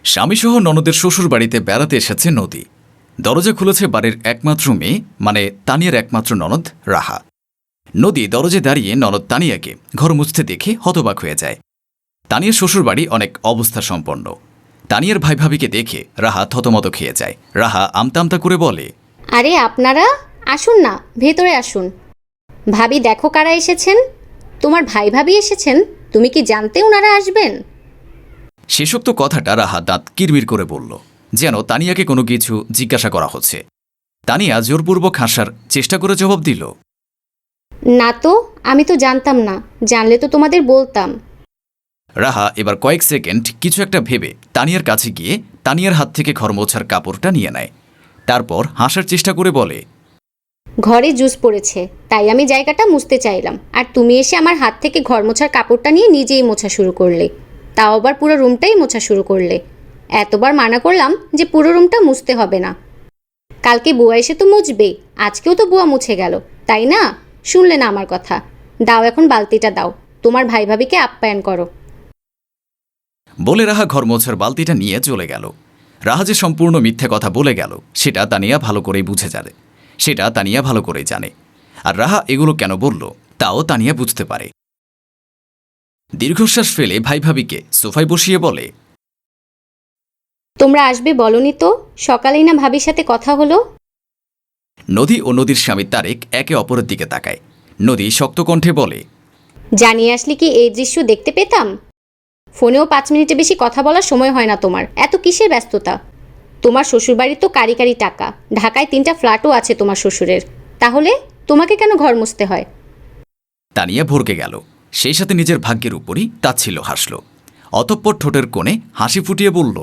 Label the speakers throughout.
Speaker 1: স্বামীসহ ননদের শ্বশুরবাড়িতে বেড়াতে এসেছে নদী। দরজা খুলেছে বাড়ির একমাত্র মেয়ে, মানে তানিয়ার একমাত্র ননদ রাহা। নদী দরজায় দাঁড়িয়ে ননদ তানিয়াকে ঘর মুছতে দেখে হতবাক হয়ে যায়। তানিয়ার শ্বশুরবাড়ি অনেক অবস্থা সম্পন্ন। তানিয়ার ভাই ভাবিকে দেখে রাহা থতমত খেয়ে যায়। রাহা আমতা আমতা করে বলে,
Speaker 2: আরে আপনারা আসুন না, ভেতরে আসুন। ভাবি দেখো কারা এসেছেন। তোমার ভাই ভাবি এসেছেন। তুমি কি জানতে ওনারা আসবেন?
Speaker 1: শেষোক্ত কথাটা রাহা দাঁত কিরমির করে বলল, যেন তানিয়াকে কোনো কিছু জিজ্ঞাসা করা হচ্ছে। তানিয়া জোরপূর্বক হাসার চেষ্টা করে জবাব দিল,
Speaker 2: না তো, আমি তো জানতাম না। জানলে তো তোমাদের বলতাম।
Speaker 1: রাহা এবার কয়েক সেকেন্ড কিছু একটা ভেবে তানিয়ার কাছে গিয়ে তানিয়ার হাত থেকে ঘর মোছার কাপড়টা নিয়ে নেয়। তারপর হাসার চেষ্টা করে বলে,
Speaker 2: ঘরে জুস পড়েছে, তাই আমি জায়গাটা মুছতে চাইলাম, আর তুমি এসে আমার হাত থেকে ঘর মোছার কাপড়টা নিয়ে নিজেই মোছা শুরু করলে। তাও আবার পুরো রুমটাই মোছা শুরু করলে। এতবার মানা করলাম যে পুরো রুমটা মুছতে হবে না। কালকে বুয়া এসে তো মুছবে, আজকেও তো বুয়া মুছে গেল, তাই না? শুনলে না আমার কথা? দাও এখন বালতিটা দাও, তোমার ভাই ভাবিকে আপ্যায়ন করো।
Speaker 1: বলে রাহা ঘর মোছার বালতিটা নিয়ে চলে গেল। রাহা যে সম্পূর্ণ মিথ্যে কথা বলে গেল সেটা তানিয়া ভালো করেই বুঝে যাবে। সেটা তানিয়া ভালো করেই জানে। আর রাহা এগুলো কেন বলল তাও তানিয়া বুঝতে পারে। দীর্ঘশ্বাস ফেলে ভাই ভাবিকে সোফায় বসিয়ে বলে,
Speaker 2: তোমরা আসবে বলনি তো? সকালেই না ভাবির সাথে কথা হলো।
Speaker 1: নদী ও নদীর স্বামী তারেক একে অপরের দিকে তাকায়। নদী শক্ত কণ্ঠে বলে,
Speaker 2: জানিয়ে আসলে কি এই দৃশ্য দেখতে পেতাম? ফোনেও 5 মিনিটে বেশি কথা বলার সময় হয় না তোমার। এত কিসের ব্যস্ততা? তোমার শ্বশুরবাড়ির তো কারি কারি টাকা। ঢাকায় 3টা ফ্ল্যাটও আছে তোমার শ্বশুরের। তাহলে তোমাকে কেন ঘর মুছতে হয়?
Speaker 1: তানিয়া ভরকে গেল। সেই সাথে নিজের ভাগ্যের উপরই তাচ্ছিল্য হাসল। অতঃপর ঠোঁটের কোণে হাসি ফুটিয়ে বলল,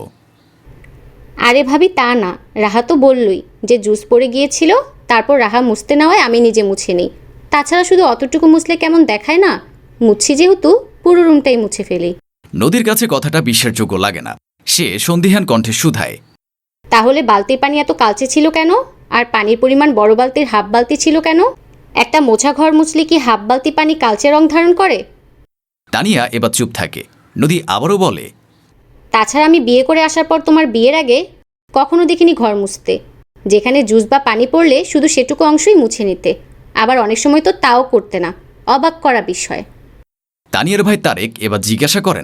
Speaker 2: আরে ভাবি তা না, রাহা তো বললই যে জুস পড়ে গিয়েছিল, তারপর রাহা মুছতে নেওয়ায় আমি নিজে মুছে নিই। তাছাড়া শুধু অতটুকু মুছলে কেমন দেখায় না? মুছছি যেহেতু পুরো রুমটাই মুছে ফেলি।
Speaker 1: নদীর কাছে কথাটা বিশ্বাসযোগ্য লাগে না। সে সন্দিহান কণ্ঠে শুধায়,
Speaker 2: তাহলে বালতির পানি এত কালচে ছিল কেন? আর পানির পরিমাণ বড় বালতির হাফ বালতি ছিল কেন? একটা মোছা ঘর মুছলে কি হাফ বালতি পানি কালচে রং ধারণ করে?
Speaker 1: তানিয়া এবার চুপ থাকে। নদী আবারও বলে,
Speaker 2: তাছাড়া আমি বিয়ে করে আসার পর তোমার বিয়ের আগে কখনো দেখিনি ঘর মুছতে। যেখানে জুস বা পানি পড়লে শুধু সেটুকু অংশই মুছে নিতে, আবার অনেক সময় তো তাও করতে না। অবাক করা বিষয়।
Speaker 1: তানিয়ার ভাই তারেক এবার জিজ্ঞাসা করেন,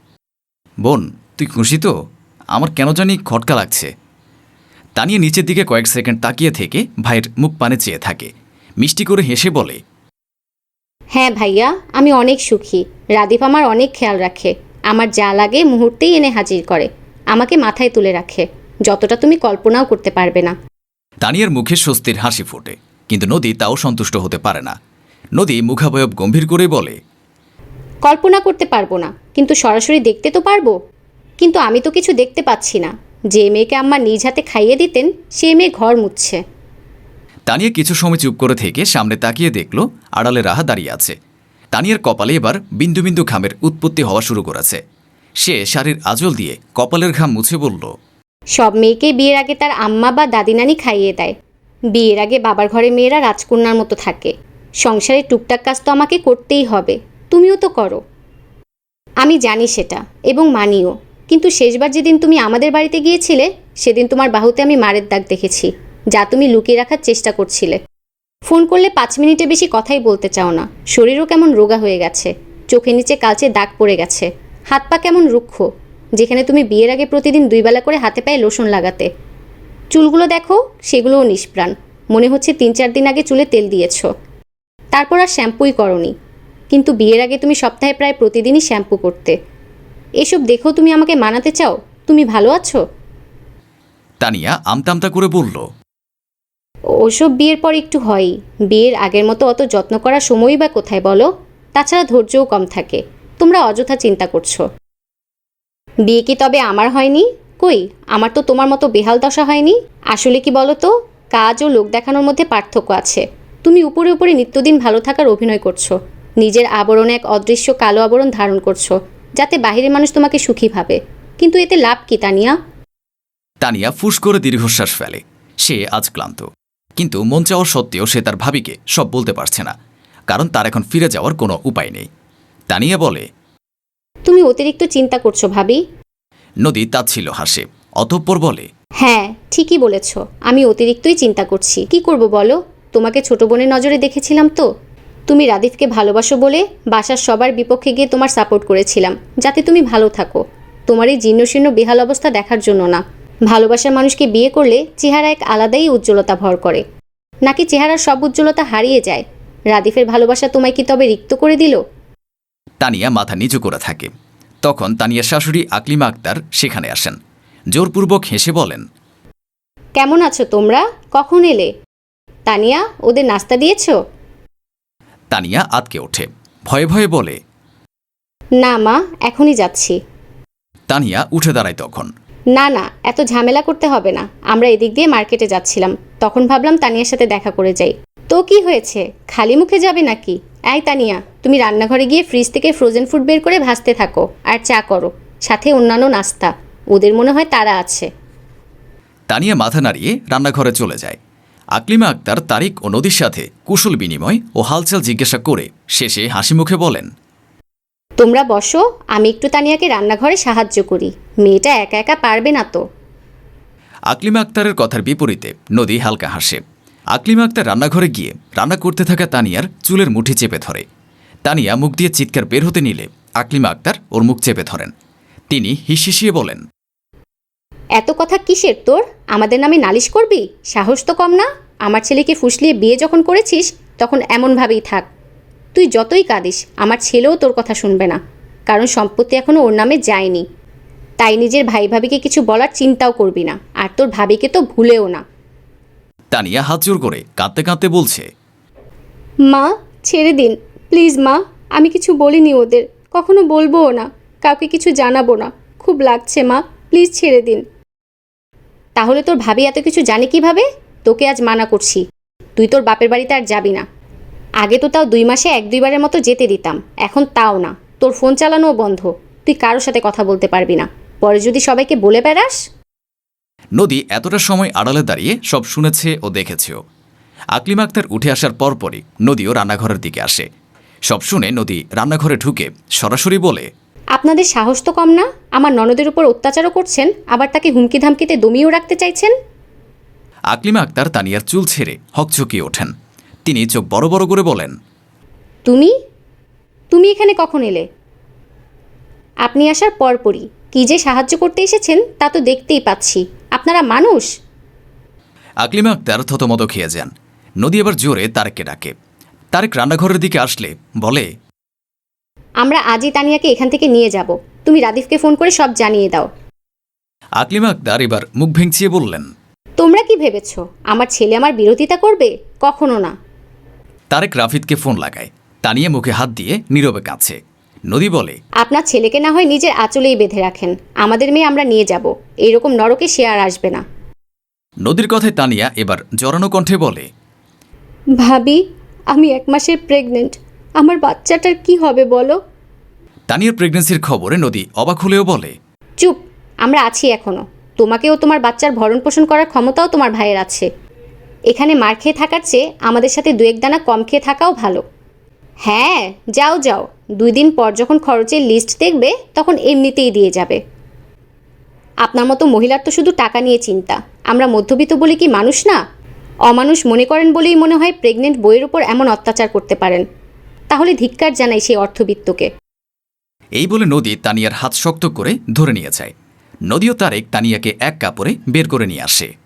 Speaker 1: বোন তুই খুশি তো? আমার কেন জানি খটকা লাগছে। তানিয়া নিচের দিকে কয়েক সেকেন্ড তাকিয়ে থেকে ভাইয়ের মুখ পানে চেয়ে থাকে। মিষ্টি করে হেসে বলে,
Speaker 2: হ্যাঁ ভাইয়া, আমি অনেক সুখী। রাদীপ আমার অনেক খেয়াল রাখে। আমার যা লাগে মুহূর্তেই এনে হাজির করে। আমাকে মাথায় তুলে রাখে, যতটা তুমি কল্পনাও করতে পারবে না।
Speaker 1: তানিয়ার মুখে স্বস্তির হাসি ফোটে, কিন্তু নদী তাও সন্তুষ্ট হতে পারে না। নদী মুখাবয়ব গম্ভীর করে বলে,
Speaker 2: কল্পনা করতে পারবো না, কিন্তু সরাসরি দেখতে তো পারবো। কিন্তু আমি তো কিছু দেখতে পাচ্ছি না। যে মেয়েকে আম্মা নিজ হাতে খাইয়ে দিতেন সে মেয়ে ঘর মুছছে।
Speaker 1: তানিয়া কিছু সময় চুপ করে থেকে সামনে তাকিয়ে দেখল আড়ালে রাহা দাঁড়িয়ে আছে। তানিয়ার কপালে এবার বিন্দু বিন্দু ঘামের উৎপত্তি হওয়া শুরু করেছে। সে শাড়ির আঁচল দিয়ে কপালের ঘাম মুছে বলল,
Speaker 2: সব মেয়েকে বিয়ের আগে তার আম্মা বা দাদি নানি খাইয়ে দেয়। বিয়ের আগে বাবার ঘরে মেয়েরা রাজকন্যার মতো থাকে। সংসারে টুকটাক কাজ তো আমাকে করতেই হবে। তুমিও তো করো। আমি জানি সেটা, এবং মানিও। কিন্তু শেষবার যেদিন তুমি আমাদের বাড়িতে গিয়েছিলে, সেদিন তোমার বাহুতে আমি মারের দাগ দেখেছি, যা তুমি লুকিয়ে রাখার চেষ্টা করছিলে। ফোন করলে 5 মিনিটে বেশি কথাই বলতে চাও না। শরীরও কেমন রোগা হয়ে গেছে। চোখের নিচে কালচে দাগ পড়ে গেছে। হাত পা কেমন রুক্ষ, যেখানে তুমি বিয়ের আগে প্রতিদিন 2 বেলা করে হাতে পায়ে লোশন লাগাতে। চুলগুলো দেখো, সেগুলোও নিষ্প্রাণ। মনে হচ্ছে 3-4 দিন আগে চুলে তেল দিয়েছ। তারপর আর শ্যাম্পুই করনি। কিন্তু বিয়ের আগে তুমি সপ্তাহে প্রায় প্রতিদিনই শ্যাম্পু করতে। এসব দেখো তুমি আমাকে মানাতে চাও তুমি ভালো আছো?
Speaker 1: তানিয়া আমতামতা করে বলল,
Speaker 2: ওসব বিয়ের পর একটু হয়ই। বিয়ের আগের মতো অত যত্ন করার সময়ই বা কোথায় বলো? তাছাড়া ধৈর্যও কম থাকে। তোমরা অযথা চিন্তা করছো। বিয়ে কি তবে আমার হয়নি? কই, আমার তো তোমার মতো বেহাল দশা হয়নি। আসলে কি বলো তো, কাজ ও লোক দেখানোর মধ্যে পার্থক্য আছে। তুমি উপরে উপরে নিত্যদিন ভালো থাকার অভিনয় করছো। নিজের আবরণে এক অদৃশ্য কালো আবরণ ধারণ করছো, যাতে বাহিরের মানুষ তোমাকে সুখী ভাবে। কিন্তু এতে লাভ কি তানিয়া?
Speaker 1: তানিয়া ফুস করে দীর্ঘশ্বাস ফেলে। সে আজ ক্লান্ত, কিন্তু মন চাওয়ার সত্ত্বেও সে তার ভাবিকে সব বলতে পারছে না, কারণ তার এখন ফিরে যাওয়ার কোনো উপায় নেই। তানিয়া বলে,
Speaker 2: তুমি অতিরিক্ত চিন্তা করছো ভাবি।
Speaker 1: নদী তাচ্ছিল্য হাসে, অতঃপর বলে,
Speaker 2: হ্যাঁ ঠিকই বলেছ, আমি অতিরিক্তই চিন্তা করছি। কি করব বলো, তোমাকে ছোট বোনের নজরে দেখেছিলাম তো। তুমি রাদিফকে ভালোবাসো বলে বাসার সবার বিপক্ষে গিয়ে তোমার সাপোর্ট করেছিলাম, যাতে তুমি ভালো থাকো। তোমার এই জীর্ণশীর্ণ বেহাল অবস্থা দেখার জন্য না। ভালোবাসার মানুষকে বিয়ে করলে চেহারা এক আলাদাই উজ্জ্বলতা ভর করে, নাকি চেহারার সব উজ্জ্বলতা হারিয়ে যায়? রাদিফের ভালোবাসা তোমায় কি তবে রিক্ত করে দিল?
Speaker 1: তানিয়া মাথা নিচু করে থাকে। তখন তানিয়ার শাশুড়ি আকলিমা আক্তার সেখানে আসেন। জোরপূর্বক হেসে বলেন,
Speaker 2: কেমন আছো তোমরা? কখন এলে? তানিয়া, ওদের নাস্তা দিয়েছো?
Speaker 1: তানিয়া আতকে ওঠে, ভয়ে ভয়ে বলে,
Speaker 2: না মা, এখনই যাচ্ছি।
Speaker 1: তানিয়া উঠে দাঁড়ায় তখন।
Speaker 2: না না, এত ঝামেলা করতে হবে না, আমরা এদিক দিয়ে মার্কেটে যাচ্ছিলাম, তখন ভাবলাম তানিয়ার সাথে দেখা করে যাই। তো কি হয়েছে, খালি মুখে যাবে নাকি? এই তানিয়া, তুমি রান্নাঘরে গিয়ে ফ্রিজ থেকে ফ্রোজেন ফুড বের করে ভাজতে থাকো আর চা করো, সাথে অন্যান্য নাস্তা। ওদের মনে হয় তারা আছে।
Speaker 1: তানিয়া মাথা নাড়িয়ে রান্নাঘরে চলে যায়। আকলিমা আক্তার তারিক ও নদীর সাথে কুশল বিনিময় ও হালচাল জিজ্ঞাসা করে শেষে হাসি মুখে বলেন,
Speaker 2: তোমরা বসো, আমি একটু তানিয়াকে রান্নাঘরে সাহায্য করি। মেয়েটা একা একা পারবে না তো।
Speaker 1: আকলিমা আক্তারের কথার বিপরীতে নদী হালকা হাসে। আকলিমা আক্তার রান্নাঘরে গিয়ে রান্না করতে থাকা তানিয়ার চুলের মুঠি চেপে ধরে। তানিয়া মুখ দিয়ে চিৎকার বের হতে নিলে আকলিমা আক্তার ওর মুখ চেপে ধরেন। তিনি হিসিয়ে বলেন,
Speaker 2: এত কথা কিসের তোর? আমাদের নামে নালিশ করবি? সাহস তো কম না। আমার ছেলেকে ফুসলিয়ে বিয়ে যখন করেছিস তখন এমনভাবেই থাক। তুই যতই কাঁদিস, আমার ছেলেও তোর কথা শুনবে না, কারণ সম্পত্তি এখনও ওর নামে যায়নি। তাই নিজের ভাই ভাবিকে কিছু বলার চিন্তাও করবি না, আর তোর ভাবিকে তো ভুলেও না।
Speaker 1: তানিয়া হাত জোর করে কাঁদতে কাঁদতে বলছে,
Speaker 2: মা, ছেড়ে দিন প্লিজ মা, আমি কিছু বলিনি ওদের, কখনো বলবোও না, কাউকে কিছু জানাবো না। খুব লাগছে মা, প্লিজ ছেড়ে দিন। তাহলে তোর ভাবি এত কিছু জানে কিভাবে? তোকে আজ মানা করছি, তুই তোর বাপের বাড়িতে আর যাবি না। আগে তো তাও 2 মাসে 1-2বারের মতো যেতে দিতাম, এখন তাও না। তোর ফোন চালানোও বন্ধ, তুই কারোর সাথে কথা বলতে পারবি না। পরে যদি সবাইকে বলে বেড়াস।
Speaker 1: নদী এতটা সময় আড়ালে দাঁড়িয়ে সব শুনেছে ও দেখেছেও। আকলিমা আক্তার উঠে আসার পরপরই নদীও রান্নাঘরের দিকে আসে। সব শুনে নদী রান্নাঘরে ঢুকে সরাসরি বলে,
Speaker 2: আপনাদের সাহস তো কম না, আমার ননদের উপর অত্যাচারও করছেন, আবার তাকে হুমকি ধামকিতে দমিয়েও রাখতে চাইছেন।
Speaker 1: আকলিমা আক্তার তানিয়ার চুল ছেড়ে হকচকিয়ে ওঠেন। তিনি চোখ বড় বড় করে বলেন,
Speaker 2: তুমি তুমি এখানে কখন এলে? আপনি আসার পরপরই কি যে সাহায্য করতে এসেছেন তা তো দেখতেই পাচ্ছি। আপনারা মানুষ?
Speaker 1: আকলিমা আক্তার থতমত খেয়ে যান। নদী এবার জোরে তারেককে ডাকে। তারেক রান্নাঘরের দিকে আসলে বলে,
Speaker 2: আমরা আজই তানিয়াকে এখান থেকে নিয়ে যাব, তুমি রাদিফকে ফোন করে সব জানিয়ে দাও।
Speaker 1: আকলিমা আক্তার এবার মুখ ভেঙচিয়ে বললেন,
Speaker 2: তোমরা কি ভেবেছ আমার ছেলে আমার বিরোধিতা করবে? কখনো না।
Speaker 1: তারেক রাফিদকে ফোন লাগায়। তানিয়া মুখে হাত দিয়ে নীরবে কাঁদছে। নদী বলে,
Speaker 2: আপনার ছেলেকে না হয় নিজের আঁচলেই বেঁধে রাখেন, আমাদের মেয়ে আমরা নিয়ে যাব, এইরকম নরকে সে আর আসবে না।
Speaker 1: নদীর কথায় তানিয়া এবার জড়ানো কণ্ঠে বলে,
Speaker 2: ভাবি, আমি 1 মাসের প্রেগনেন্ট, আমার বাচ্চাটার কি হবে বলো?
Speaker 1: তানিয়ার প্রেগন্যান্সির খবরে নদী অবাক হলেও বলে,
Speaker 2: চুপ, আমরা আছি এখনো। তোমাকেও তোমার বাচ্চার ভরণ পোষণ করার ক্ষমতাও তোমার ভাইয়ের আছে। এখানে মার খেয়ে থাকার চেয়ে আমাদের সাথে 2-1 দানা কম খেয়ে থাকাও ভালো। হ্যাঁ, যাও যাও, 2 দিন পর যখন খরচের লিস্ট দেখবে তখন এমনিতেই দিয়ে যাবে। আপনার মতো মহিলার তো শুধু টাকা নিয়ে চিন্তা। আমরা মধ্যবিত্ত বলে কি মানুষ না? অমানুষ মনে করেন বলেই মনে হয় প্রেগনেন্ট বইয়ের ওপর এমন অত্যাচার করতে পারেন। তাহলে ধিক্কার জানাই সেই অর্থবিত্তকে।
Speaker 1: এই বলে নদী তানিয়ার হাত শক্ত করে ধরে নিয়ে যায়। নদী ও তারেক তানিয়াকে এক কাপড়ে বের করে নিয়ে আসে।